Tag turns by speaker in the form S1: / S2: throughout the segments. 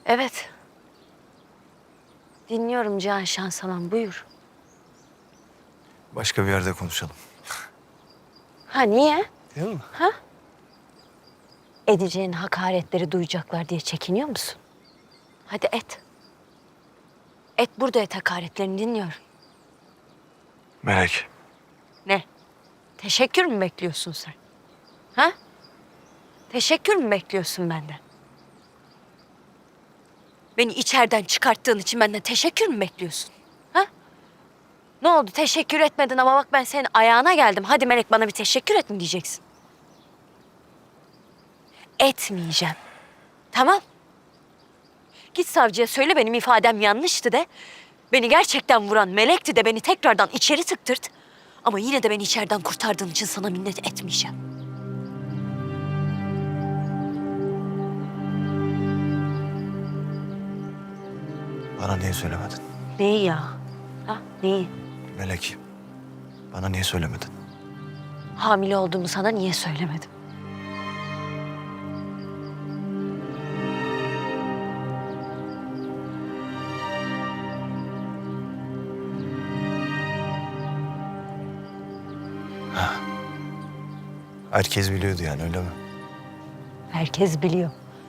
S1: Evet. Dinliyorum Cihan Şansalan, buyur.
S2: Başka bir yerde konuşalım.
S1: Ha niye?
S2: Değil mi?
S1: Ha? Edeceğin hakaretleri duyacaklar diye çekiniyor musun? Hadi et. Et, burada et, hakaretlerini dinliyorum.
S2: Melek.
S1: Ne? Teşekkür mü bekliyorsun sen? Ha? Teşekkür mü bekliyorsun benden? Beni içeriden çıkarttığın için benden teşekkür mü bekliyorsun? Ha? Ne oldu? Teşekkür etmedin ama bak ben senin ayağına geldim. Hadi Melek, bana bir teşekkür et mi diyeceksin? Etmeyeceğim. Tamam. Git savcıya söyle benim ifadem yanlıştı de. Beni gerçekten vuran Melek'ti de beni tekrardan içeri tıktırt. Ama yine de beni içeriden kurtardığın için sana minnet etmeyeceğim.
S2: Bana niye söylemedin?
S1: Neyi ya? Ha? Neyi?
S2: Melek. Bana niye söylemedin?
S1: Hamile olduğumu sana niye söylemedim?
S2: Herkes biliyordu yani, öyle mi?
S1: Herkes biliyor.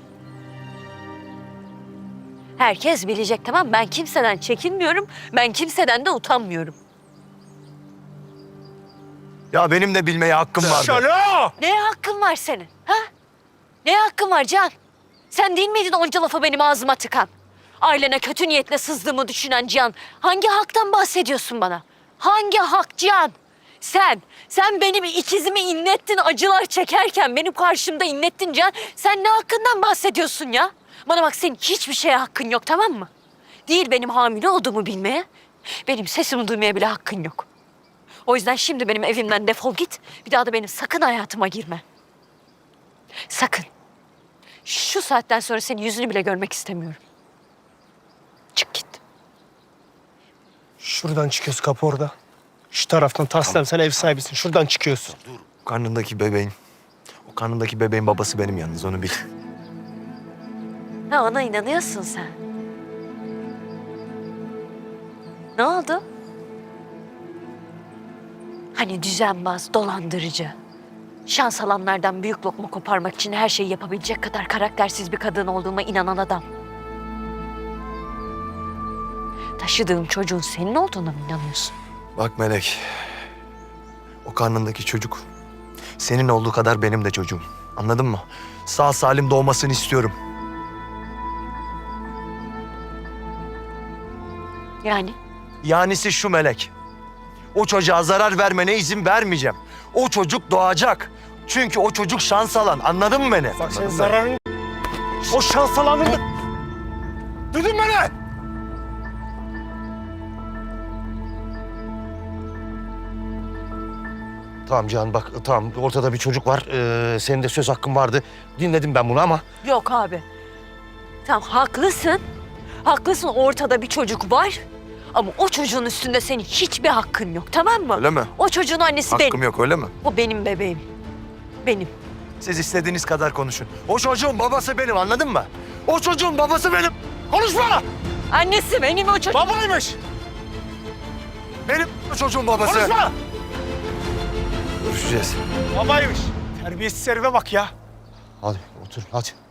S1: Herkes bilecek, tamam. Ben kimseden çekinmiyorum. Ben kimseden de utanmıyorum.
S2: Ya benim de bilmeye hakkım vardı.
S3: Şalo!
S1: Neye hakkın var senin? Ha? Neye hakkın var Can? Sen değil miydin onca lafı benim ağzıma tıkan? Ailene kötü niyetle sızdığımı düşünen Cihan. Hangi haktan bahsediyorsun bana? Hangi hak Cihan? Sen benim ikizimi inlettin acılar çekerken benim karşımda inlettin Cihan. Sen ne hakkından bahsediyorsun ya? Bana bak, senin hiçbir şeye hakkın yok, tamam mı? Değil benim hamile olduğumu bilmeye, benim sesimi duymaya bile hakkın yok. O yüzden şimdi benim evimden defol git. Bir daha da benim sakın hayatıma girme. Sakın. Şu saatten sonra senin yüzünü bile görmek istemiyorum. Çık git.
S3: Şuradan çıkıyorsun, kapı orada. Şu taraftan taslem, sen ev sahibisin. Şuradan çıkıyorsun.
S2: O karnındaki bebeğin babası benim yalnız, onu bil.
S1: Ha, ona inanıyorsun sen. Ne oldu? Hani düzenbaz, dolandırıcı, şans alanlardan büyük lokma koparmak için her şeyi yapabilecek kadar karaktersiz bir kadın olduğuma inanan adam. Taşıdığım çocuğun senin olduğuna mı inanıyorsun?
S2: Bak Melek, o karnındaki çocuk senin olduğu kadar benim de çocuğum. Anladın mı? Sağ salim doğmasını istiyorum.
S1: Yani?
S2: Yanisi şu Melek. O çocuğa zarar vermene izin vermeyeceğim. O çocuk doğacak. Çünkü o çocuk şans alan. Anladın mı beni?
S3: Bak senin zararın... O şans alanını... Duydun beni? Tamam Cihan, bak tamam, ortada bir çocuk var. Senin de söz hakkın vardı. Dinledim ben bunu ama...
S1: Yok abi. Tamam, haklısın. Haklısın, ortada bir çocuk var. Ama o çocuğun üstünde senin hiçbir hakkın yok, tamam mı?
S2: Öyle mi?
S1: O çocuğun annesi
S2: Hakkım
S1: benim.
S2: yok, öyle mi?
S1: O benim bebeğim. Benim.
S2: Siz istediğiniz kadar konuşun. O çocuğun babası benim, anladın mı? O çocuğun babası benim. Konuşma!
S1: Annesi benim o çocuk.
S3: Babaymış!
S2: Benim o çocuğun babası.
S3: Konuşma!
S2: Görüşeceğiz.
S3: Babaymış. Terbiyesiz herife bak ya.
S2: Hadi otur, hadi.